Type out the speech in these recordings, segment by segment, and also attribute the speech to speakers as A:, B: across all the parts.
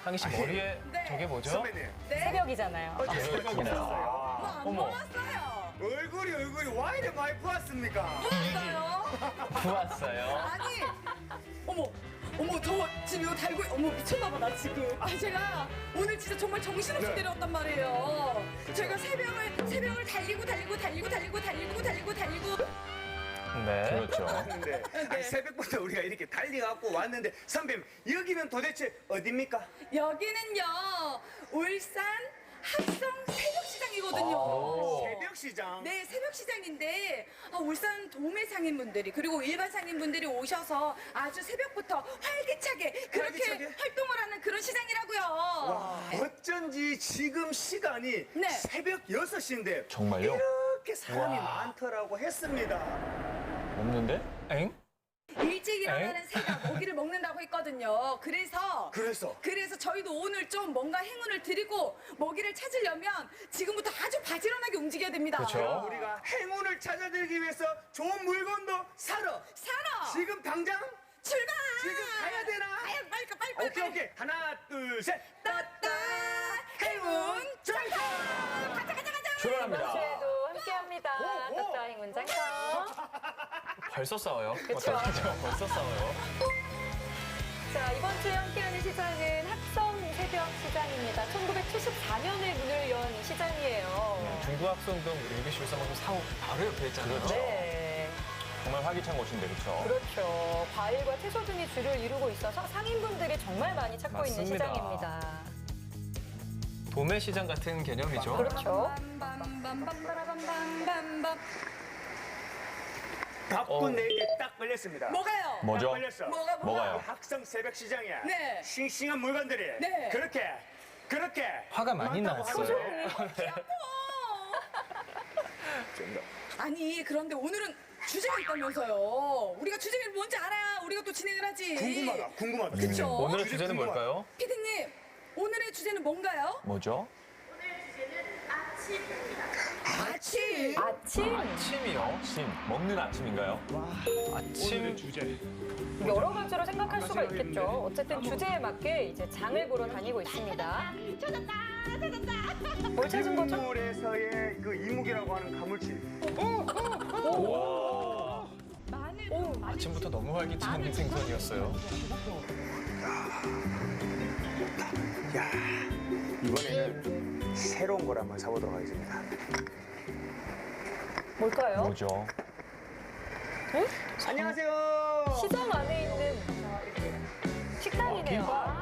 A: 상희 씨 머리에
B: 네.
A: 저게 뭐죠?
C: 선배님.
B: 네.
D: 새벽이잖아요.
C: 어제 새벽이었어요.
B: 안
A: 어머.
B: 먹었어요.
C: 얼굴이 와 이래 많이 부었습니까?
B: 먹었어요.
A: 부었어요.
B: 아니, 어머, 저 지금 이거 달고, 어머, 미쳤나봐, 나 지금. 아, 제가 오늘 진짜 정말 정신없이
C: 네.
B: 내려왔단 말이에요. 제가 새벽을 달리고.
A: 네.
E: 그렇죠.
C: 왔는데 아니, 새벽부터 우리가 이렇게 달려갖고 왔는데 선배님 여기는 도대체 어딥니까?
B: 여기는요, 울산 합성 새벽시장이거든요.
A: 오.
C: 새벽시장.
B: 네, 새벽시장인데 울산 도매 상인분들이 그리고 일반 상인분들이 오셔서 아주 새벽부터 활기차게 그렇게
C: 활기차게?
B: 활동을 하는 그런 시장이라고요.
C: 와, 어쩐지 지금 시간이
B: 네.
C: 새벽 6시인데
E: 정말요?
C: 이렇게 사람이
A: 와.
C: 많더라고 했습니다.
E: 없는데?
A: 엥?
B: 일찍 일어나는 새가 먹이를 먹는다고 했거든요. 그래서 저희도 오늘 좀 뭔가 행운을 드리고 먹이를 찾으려면 지금부터 아주 바지런하게 움직여야 됩니다.
A: 그렇죠.
C: 우리가 행운을 찾아들기 위해서 좋은 물건도 사러 지금 당장
B: 출발!
C: 지금 가야 되나?
B: 빨리.
C: 오케이. 하나, 둘, 셋.
B: 따따 행운 장터! 가자.
E: 출발합니다.
D: 이번 주에도 함께합니다.
C: 오.
D: 따따 행운 장터.
A: 벌써 싸워요.
D: 그쵸.
A: 어떡하죠? 벌써 싸워요.
D: 자, 이번 주에 함께하는 시장은 합성 새벽 시장입니다. 1974년에 문을 연 시장이에요.
A: 중구 합성동 우리 6시13분 사고 바로 옆에 있잖아요.
E: 그렇죠.
D: 네.
E: 정말 활기찬 곳인데, 그렇죠?
D: 그렇죠. 과일과 채소 등이 줄을 이루고 있어서 상인분들이 정말 많이 찾고 있는
A: 맞습니다.
D: 시장입니다.
A: 도매시장 같은 개념이죠.
D: 그렇죠.
B: 빰빰빰빰빰빰빰빰.
C: 바쁜 내게 딱 걸렸습니다.
B: 뭐가요?
E: 뭐죠?
C: 딱 걸렸어.
E: 뭐가요?
C: 학성 새벽 시장이야.
B: 네.
C: 싱싱한 물건들이
B: 네.
C: 그렇게
A: 화가 많이
C: 많다고
A: 났어요.
C: 하죠.
B: 아니 그런데 오늘은 주제가 있다면서요. 우리가 주제가 뭔지 알아야 우리가 또 진행을 하지.
C: 궁금하다.
B: 그쵸?
A: 오늘의
C: 주제
A: 주제는
C: 궁금하다.
A: 뭘까요?
B: 피디님 오늘의 주제는 뭔가요?
E: 뭐죠?
C: 아침.
D: 아침
A: 아침이요?
E: 아침. 먹는 아침인가요?
A: 아침
D: 여러 가지로 생각할 수가 있겠죠. 어쨌든 주제에 맞게 이제 장을 보러 다니고 있습니다. 뭘 찾은 거죠?
C: 국물에서의 그 이묵이라고 하는 가물치.
A: 와.
B: 마늘.
A: 아침부터 너무 활기찬 생선이었어요.
C: 야, 이번에는 새로운 걸 한번 사보도록 하겠습니다.
D: 뭘까요?
E: 뭐죠?
C: 안녕하세요.
D: 시장 안에 있는 식당이네요.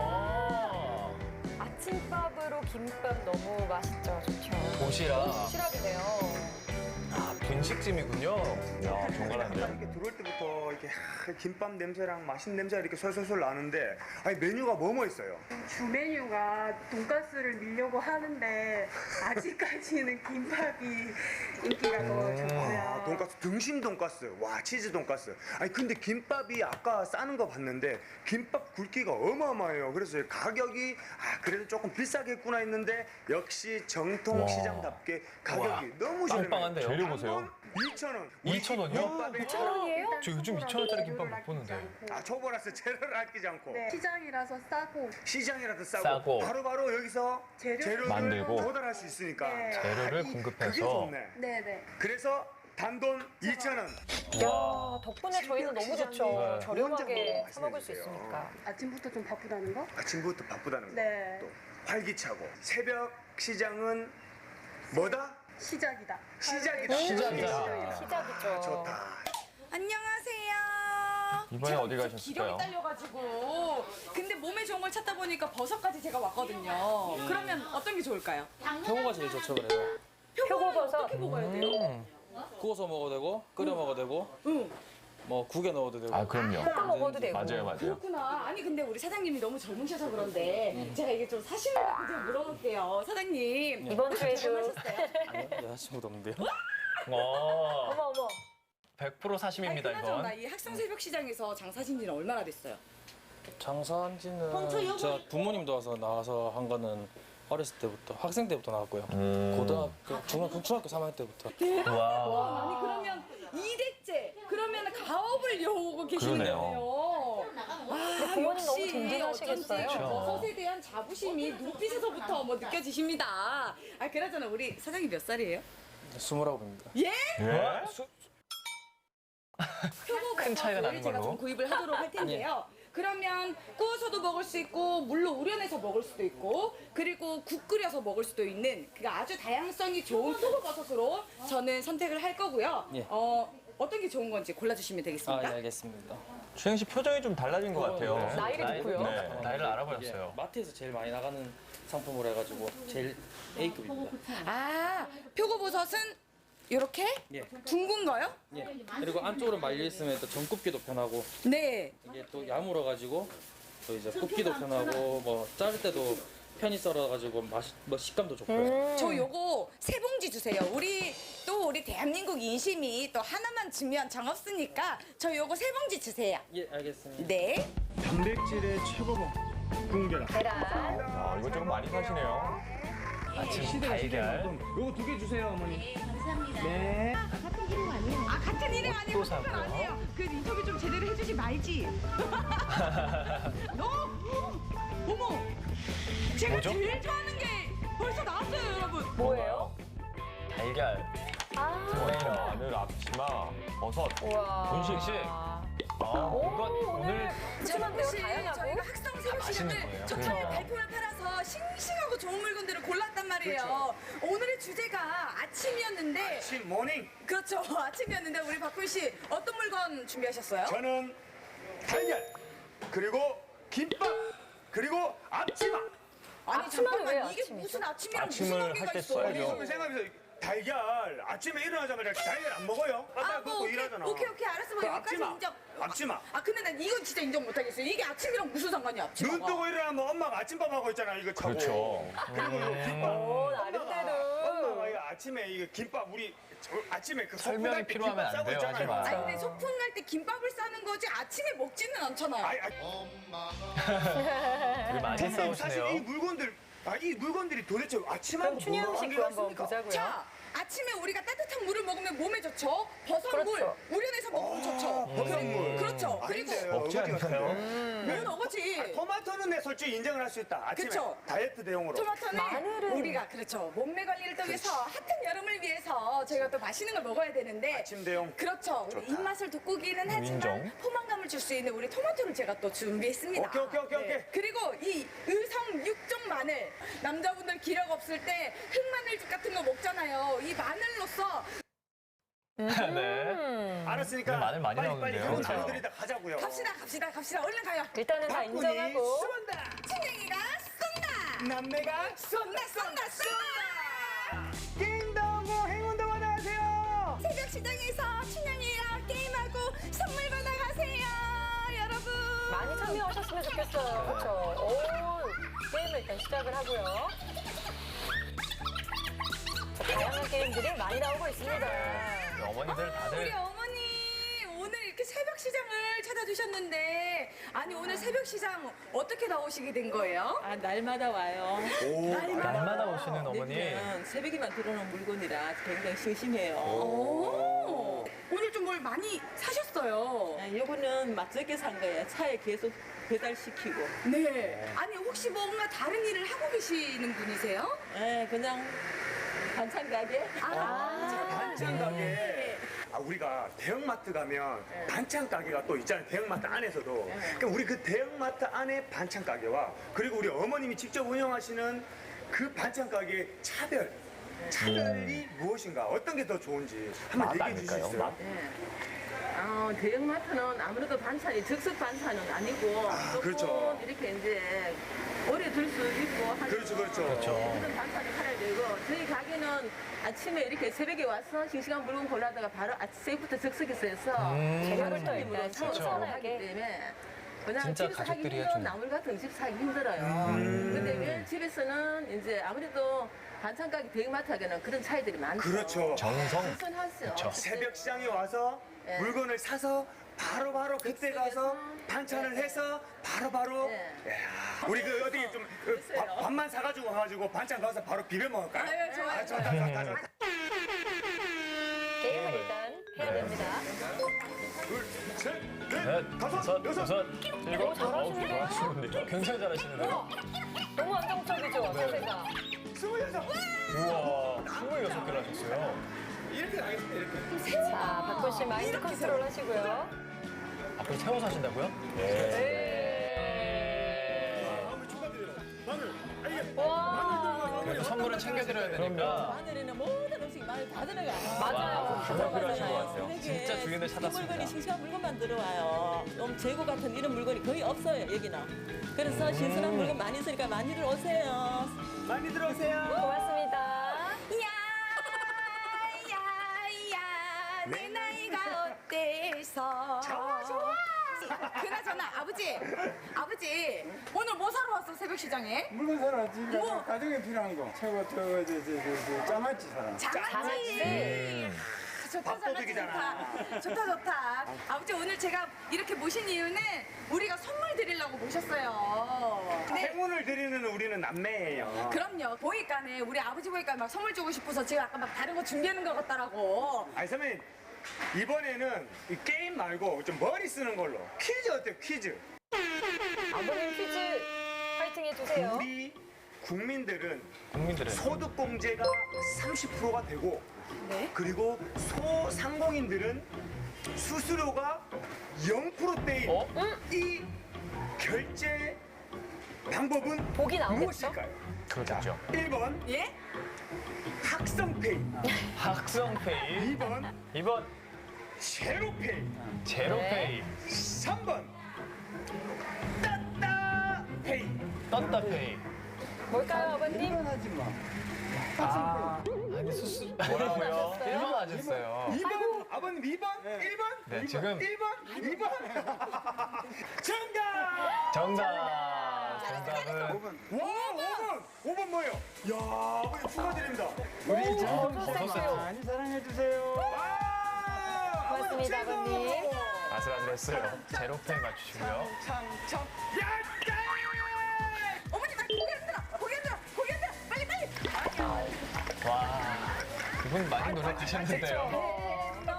A: 아,
D: 아침밥으로 김밥 너무 맛있죠. 좋죠.
A: 도시락.
D: 도시락이네요.
A: 아, 분식집이군요.
E: 야, 정갈한데요?
C: 이렇게 들어올 때부터 이렇게 김밥 냄새랑 맛있는 냄새가 이렇게 솔솔솔 나는데 아니 메뉴가 뭐뭐 있어요?
F: 주 메뉴가 돈가스를 밀려고 하는데 아직까지는 김밥이 인기가 더 좋고요.
C: 아, 돈가스 등심 돈가스, 와 치즈 돈가스. 아니 근데 김밥이 아까 싸는 거 봤는데 김밥 굵기가 어마어마해요. 그래서 가격이 그래도 조금 비싸겠구나 했는데 역시 정통
E: 와.
C: 시장답게 가격이
A: 와,
C: 너무 저렴해요.
A: 빵빵한데요?
E: 재료 보세요.
C: 2,000원.
A: 2,000원이요?
D: 2,000원이에요?
A: 저 요즘 2,000원짜리 김밥 못 보는데.
C: 초보라서 재료를 아끼지 않고
F: 네, 시장이라서 싸고
C: 시장이라도 싸고,
A: 싸고.
C: 바로바로 여기서 재료를
E: 만들고.
C: 조달할 수 있으니까
F: 네.
A: 재료를
C: 그게
A: 공급해서.
C: 좋네.
F: 네네.
C: 그래서 단돈 2,000원.
D: 야, 덕분에 저희는 너무 좋죠.
A: 네.
D: 저렴하게
C: 혼자
D: 사 먹을 수
C: 말씀해주세요.
D: 있으니까.
F: 아침부터 좀 바쁘다는 거?
C: 아침부터 바쁘다는 거.
F: 네.
C: 또 활기차고 새벽 시장은 뭐다?
F: 시작이다.
C: 시작이다.
A: 시작이다.
D: 시작이죠.
C: 좋다.
B: 안녕하세요.
E: 이번에
B: 제가
E: 어디
B: 진짜
E: 가셨을까요?
B: 기력이 딸려가지고 근데 몸에 좋은 걸 찾다 보니까 버섯까지 제가 왔거든요. 그러면 어떤 게 좋을까요?
G: 표고가 제일 좋죠, 그래도.
D: 표고버섯.
B: 어떻게 먹어야 돼요?
G: 구워서 먹어도 되고, 끓여 먹어도 되고,
B: 응.
G: 뭐 국에 넣어도 되고.
E: 아, 그럼요.
D: 볶아 먹어도 되고.
E: 맞아요.
B: 그렇구나. 아니 근데 우리 사장님이 너무 젊으셔서 그런데 제가 이게 좀 사실을 갖고 좀 물어볼게요. 사장님.
D: 이번 주에도
B: 결혼하셨어요?
G: 아니요, 여자친구도 없는데요.
A: 와,
D: 어머 어머.
A: 100% 사심입니다,
B: 그나저나
A: 이건.
B: 이 학생새벽 시장에서 장사신 지는 얼마나 됐어요?
G: 장사한 지는 제가 부모님도 나와서 한 거는 어렸을 때부터, 학생 때부터 나왔고요. 고등학교, 중학교 3학년 때부터.
A: 와.
B: 아니 그러면 2대째 그러면 가업을 이어오고 계시는
E: 그러네요.
B: 거예요. 와,
D: 부모님 너무
B: 역시
D: 든든하시겠어요.
B: 어쩐지 버섯에 대한 자부심이 눈빛에서부터 뭐 느껴지십니다. 아, 그나저나 우리 사장님 몇 살이에요?
G: 29입니다.
B: 예?
E: 예?
A: 큰 차이가 나는
B: 제가
A: 걸로.
B: 좀 구입을 하도록 할 텐데요. 그러면 구워서도 먹을 수 있고 물로 우려내서 먹을 수도 있고 그리고 국 끓여서 먹을 수도 있는 그 아주 다양성이 좋은 표고버섯으로 저는 선택을 할 거고요.
G: 예.
B: 어떤 게 좋은 건지 골라주시면
G: 아,
B: 되겠습니까?
G: 예, 알겠습니다.
E: 주행 씨 표정이 좀 달라진 것 같아요.
G: 네.
D: 나이를 듣고요.
E: 네.
A: 나이를 알아버렸어요.
G: 마트에서 제일 많이 나가는 상품으로 해가지고 제일 A급입니다.
B: 아, 표고버섯은 이렇게
G: 예.
B: 둥근 거요?
G: 예. 그리고 안쪽으로 말려 있으면 또 전 굽기도 편하고
B: 네.
G: 이게 또 야물어가지고 또 이제 굽기도 편하고 뭐 자를 때도 편히 썰어가지고 뭐 식감도 좋고요.
B: 저 요거 세 봉지 주세요. 우리 대한민국 인심이 또 하나만 주면 정없으니까 저 요거 세 봉지 주세요.
G: 예, 알겠습니다.
B: 네.
C: 단백질의 최고봉 궁계란.
D: 계란.
E: 아, 이거 조금 많이 사시네요.
A: 아침 달걀.
C: 요거 2개 주세요, 어머니.
B: 아, 같은 이름 아니에요?
A: 또 사고요.
B: 아니에요. 그 인터뷰 좀 제대로 해주지 말지. 너? 어머! 제가
A: 뭐죠?
B: 제일 좋아하는 게 벌써 나왔어요, 여러분.
D: 뭐예요?
A: 달걀.
D: 아.
E: 마늘, 앞치마, 버섯.
D: 우와.
E: 분식 씨.
A: 이건 오늘
D: 푸짐한데요,
B: 혹시
D: 다양하고.
B: 저희가 학성 새벽
A: 맛있는
B: 시장을
A: 거예요.
B: 초청에
A: 그러니까.
B: 발품을 팔아서 싱싱하고 좋은 물건들을 골랐단 말이에요. 오늘의 주제가 아침이었는데
C: 아침 모닝.
B: 그렇죠. 아침이었는데 우리 박훈 씨 어떤 물건 준비하셨어요?
C: 저는 달걀, 그리고 김밥, 그리고 앞치마.
B: 아니
D: 아침은 왜
B: 잠깐만 이게
D: 아침이죠?
B: 무슨 아침이랑 무슨
E: 아침을
B: 관계가
E: 할때
B: 있어?
E: 써야죠.
C: 이거 생각해보세요. 달걀 아침에 일어나자마자 달걀 안 먹어요? 아까 그거
B: 오케이,
C: 일하잖아.
B: 오케이 알았어. 뭐
C: 그
B: 여기까지
C: 앞치마.
B: 인정.
C: 앞치마.
B: 아 근데 난 이건 진짜 인정 못하겠어요. 이게 아침이랑 무슨 상관이야 앞치마가?
C: 눈 뜨고 일어나면 엄마가 아침밥 하고 있잖아. 이거 차고.
E: 그렇죠.
C: 그리고 요 김밥.
D: 오,
C: 엄마가
D: 나름대로.
C: 이거 아침에 이거 김밥 우리 아침에 그
A: 설명이
C: 소풍 갈때
A: 필요하면
C: 김밥
A: 안
C: 싸고
A: 돼요,
C: 있잖아요.
A: 하지 마.
B: 아니 근데 소풍 갈 때 김밥을 싸는 거지 아침에 먹지는 않잖아요.
A: 우리 많이
C: 선생님 사실 이
A: 싸우시네요.
C: 물건들 이 물건들이 도대체 아침하고
D: 그럼 춘희
C: 뭐가
D: 형식도
C: 관계가
D: 한번
C: 있습니까?
D: 보자고요.
B: 자, 아침에 우리가 따뜻한 물을 먹으면 몸에 좋죠. 버섯물
D: 그렇죠.
B: 우려내서 먹으면 좋죠.
C: 버섯물.
B: 그렇죠. 그리고
C: 아닌데,
A: 먹지
C: 어디 갔어요?
A: 않나요?
B: 뭔 어거지.
C: 토마토는 내 솔직히 인정을 할 수 있다. 아침에
B: 그쵸.
C: 다이어트 대용으로.
B: 토마토는
D: 마늘은-
B: 우리가 그렇죠. 몸매 관리를 또 위해서 핫한 여름을 위해서 저희가 또 맛있는 걸 먹어야 되는데
C: 아침 대용.
B: 그렇죠. 우리 입맛을 돋구기는 하지만
E: 인정.
B: 포만감을 줄 수 있는 우리 토마토를 제가 또 준비했습니다.
C: 오케이.
B: 그리고 이 의성 육종 마늘 남자분들 기력 없을 때 흑마늘죽 같은 거 먹잖아요. 이 마늘로서
A: 네.
C: 알았으니까
A: 이거 마늘 많이
C: 빨리
A: 나오는데요.
C: 그런
A: 그렇죠.
C: 단어들이다 가자고요.
B: 갑시다. 얼른 가요.
D: 일단은 다
C: 박군이
D: 인정하고.
C: 쏜다.
B: 친eng이가 쏜다.
C: 남매가
B: 쏜다.
C: 띵동고 행운동 안녕하세요.
B: 새벽 시장에서 춘향이랑 게임하고 선물 받아가세요, 여러분.
D: 많이 참여하셨으면 좋겠어요. 그렇죠. 오, 게임을 일단 시작을 하고요. 자, 다양한 게임들이 많이 나오고 있습니다.
A: 어머니들
B: 우리
A: 다들
B: 어머니 오늘 이렇게 새벽 시장을 찾아주셨는데 아니 오늘 새벽 시장 어떻게 나오시게 된 거예요?
H: 아, 날마다 와요.
A: 날마다 오시는 어머니.
H: 내면 새벽에만 들어오는 물건이라 굉장히 심심해요.
B: 오, 오늘 좀 뭘 많이 사셨어요.
H: 아, 요거는 맛있게 산 거예요. 차에 계속 배달시키고.
B: 네. 아니 혹시 뭔가 다른 일을 하고 계시는 분이세요?
H: 예, 그냥 반찬 가게.
C: 반찬 가게. 우리가 대형마트 가면 반찬 가게가 또 있잖아요. 대형마트 안에서도. 그러니까 우리 그 대형마트 안에 반찬 가게와 그리고 우리 어머님이 직접 운영하시는 그 반찬 가게의 차별이 무엇인가? 어떤 게 더 좋은지 한번 얘기해 주실 수 있어요?
H: 대형마트는 아무래도 반찬이 즉석 반찬은 아니고 조금
C: 그렇죠.
H: 이렇게 이제 오래 둘 수 있고 하는
C: 그렇죠.
H: 그런 반찬을 팔아야 되고 저희 가게는 아침에 이렇게 새벽에 와서 싱싱한 물건 골라다가 바로 새벽부터 즉석에서 해서
D: 재료를 또 일단
H: 하기
D: 신선하게.
H: 때문에 그냥
A: 진짜
H: 집에서 하기
A: 가족들이
H: 힘든
A: 해주는.
H: 나물 같은 음식 사기 힘들어요. 근데 왜 집에서는 이제 아무래도 반찬 가게 대형마트 하기에는 그런 차이들이 많죠.
C: 그렇죠.
A: 정성.
H: 신선하죠.
C: 새벽 시장에 와서
H: 네.
C: 물건을 사서 바로바로 그때 가서 반찬을 해서 바로바로
H: 네.
C: 이야, 우리 그 어디 좀 밥만 사가지고 가가지고 반찬 가서 바로 비벼 먹을까요?
B: 네, 좋아요.
C: 좋다.
D: 게임을 일단 해야 됩니다.
C: 둘, 셋, 넷.
A: 넷, 다섯, 여섯, 일곱.
D: 잘하시는데요?
A: 잘하시는데요? 굉장히 잘하시는데요?
D: 너무 안정적이죠, 자세가.
C: 26.
A: 우와, 26개를 하셨어요.
C: 이렇게 나겠습니다, 이렇게.
D: 자, 박군 씨 마인드 컨트롤 하시고요.
A: 앞으로 세워서 하신다고요?
C: 마늘 축하드려요. 마늘.
D: 와,
A: 그래도 선물은 챙겨드려야 되니까.
H: 마늘에는 모든 음식 마늘 다 들어가.
D: 맞아요.
E: 정말 필요하신 것 같아요.
A: 진짜 주인을 찾았습니다.
H: 물건이 싱싱한 물건만 들어와요. 재고 같은 이런 물건이 거의 없어요 여기는. 그래서 신선한 물건 많이 있으니까 많이들 오세요.
C: 많이 들어오세요.
D: 고맙습니다.
B: 야야야 내 나이가 어때서 좋아 그나저나 아버지 오늘 뭐 사러 왔어 새벽 시장에?
I: 물건 사러 왔지.
B: 뭐?
I: 가정에 필요한 거. 최고 저 짜맞지 사람.
B: 장아찌 좋다 좋다 아버지 오늘 제가 이렇게 모신 이유는 우리가 선물 드리려고 모셨어요. 네.
C: 행운을 드리는 우리는 남매예요.
B: 그럼요. 보니까네 우리 아버지 보니까 막 선물 주고 싶어서 제가 아까 막 다른 거 준비하는 것 같더라고.
C: 아니 선배님 이번에는 이 게임 말고 좀 머리 쓰는 걸로 퀴즈 어때요? 퀴즈.
D: 아버님 퀴즈 파이팅 해주세요.
C: 우리 국민들은
A: 국민들은
C: 소득공제가 30%가 되고
B: 네.
C: 그리고 소상공인들은 수수료가 0%대인
A: 어?
C: 이 결제 방법은
D: 복이 나오겠죠?
C: 무엇일까요?
A: 그렇겠죠.
C: 1번
B: 예?
C: 학성페이,
A: 학성페이,
C: 2번
A: 2번
C: 제로페이,
A: 제로페이,
C: 3번 따따페이.
A: 떴다페이.
D: 뭘까요, 아버님?
I: 일어나지 마.
A: 아니 수수 뭐라고요? 1번 하셨어요.
C: 2번 아버님 2번 1번
A: 네,
C: 2번
A: 지금
C: 1번 2번 정답.
A: 정답은
C: 5번 뭐예요? 야 아버님 축하드립니다.
I: 우리
D: 오,
I: 참
D: 버섯
I: 많이 사랑해 주세요.
D: 고맙습니다, 아버님.
A: 아슬아슬했어요. 제로페이 맞추시고요.
C: 참참 야!
B: 어머니 나 고개 흔들어 빨리.
A: 와, 그분 많이 노력하셨는데요.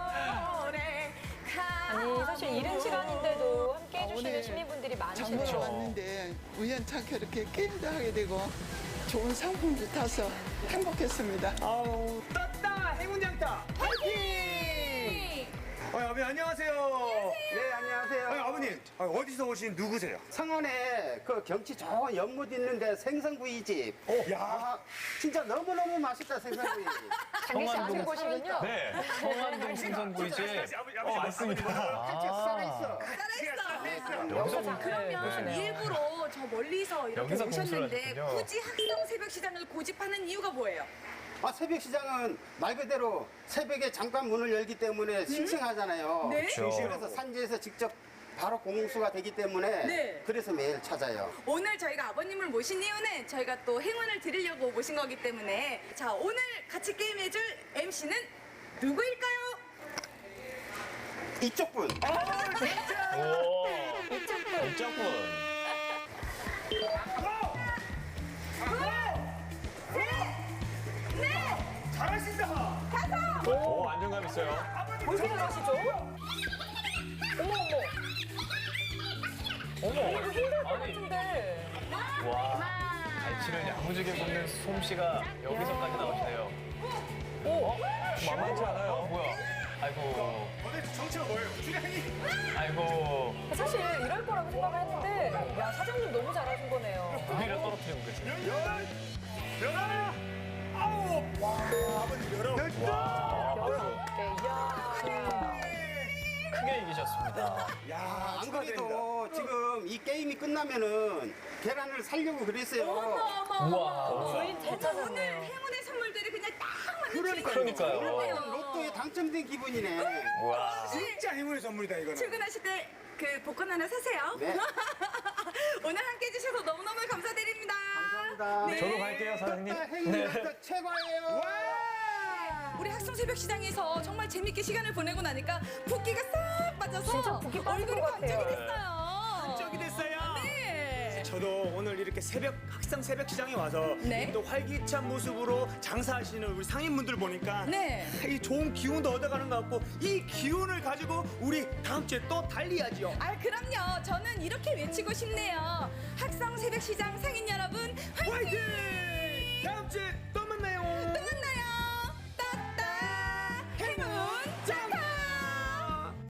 D: 아니, 사실 이른 시간인데도 함께 해주시는
J: 오늘
D: 시민분들이
J: 장보러
D: 많으시네요.
J: 왔는데 우연찮게 이렇게 게임도 하게 되고 좋은 상품도 타서 행복했습니다.
C: 아우 떴다 행운장타 파이팅! 아버님 안녕하세요.
I: 네, 안녕하세요.
C: 아버님 어디서 오신 누구세요?
I: 성원에 그 경치 좋은 연못 있는데 생선구이집.
C: 야
I: 진짜 너무너무 맛있다, 생선구이.
D: 장기 씨 아는 곳이군요.
E: 네.
A: 성안동 생선구이집.
E: 맞습니다.
I: 살아있어.
A: 여기서
B: 그러면 일부러 저 멀리서 이렇게
A: 여기서 공수를
B: 오셨는데
A: 하셨군요.
B: 굳이 학성 새벽 시장을 고집하는 이유가 뭐예요?
I: 새벽 시장은 말 그대로 새벽에 잠깐 문을 열기 때문에 싱싱하잖아요.
B: 네?
I: 그래서 산지에서 직접 바로 공수가 되기 때문에
B: 네.
I: 그래서 매일 찾아요.
B: 오늘 저희가 아버님을 모신 이유는 저희가 또 행운을 드리려고 모신 거기 때문에 자 오늘 같이 게임해줄 MC는 누구일까요?
I: 이쪽 분.
A: 오, 이쪽분.
C: 잘하신다.
E: 오, 안정감 있어요.
D: 뭘 생각하시죠?
A: 어머,
D: 힘들 것
A: 아니,
D: 같은데.
A: 와, 갈치를 야무지게 굽는 솜씨가 여기서까지 나오시네요.
E: 만만치 않아요.
A: 뭐야? 아이고,
C: 도대체 정체가 뭐예요? 주량이.
A: 아이고,
D: 사실 이럴 거라고 생각을 했는데, 야, 사장님 너무 잘하신 거네요.
A: 고기를 떨어뜨리는 거지.
C: 열하나 아홉. 와 아버님 열아홉.
A: 와,
D: 이야.
A: 크게 이기셨습니다.
C: 야
I: 안 그래도 지금 이 게임이 끝나면은 계란을 살려고 그랬어요.
A: 우와.
D: 주인 잘
B: 오늘
D: 찾았네요.
B: 행운의 선물들이 그냥 딱 맞는
A: 그러니까요.
I: 로또에 당첨된 기분이네.
A: 우와.
C: 진짜 행운의 선물이다 이거는.
B: 출근하실 때 그 복권 하나 사세요.
I: 네.
B: 오늘 함께 해주셔서 너무너무 감사드립니다.
I: 감사합니다.
B: 네.
E: 저도 갈게요, 사장님.
I: 행운이 최고예요.
B: 우리 학성 새벽 시장에서 정말 재밌게 시간을 보내고 나니까 붓기가 싹 빠져서
D: 진짜 붓기 빠진
B: 얼굴이
D: 것 같아요.
B: 반짝이 됐어요.
C: 반짝이 됐어요.
B: 네.
C: 저도 오늘 이렇게 학생 새벽 시장에 와서
B: 네.
C: 또 활기찬 모습으로 장사하시는 우리 상인분들 보니까
B: 네.
C: 이 좋은 기운도 얻어가는 것 같고 이 기운을 가지고 우리 다음 주에 또 달리야지요.
B: 아, 그럼요. 저는 이렇게 외치고 싶네요. 학성 새벽시장 상인 여러분,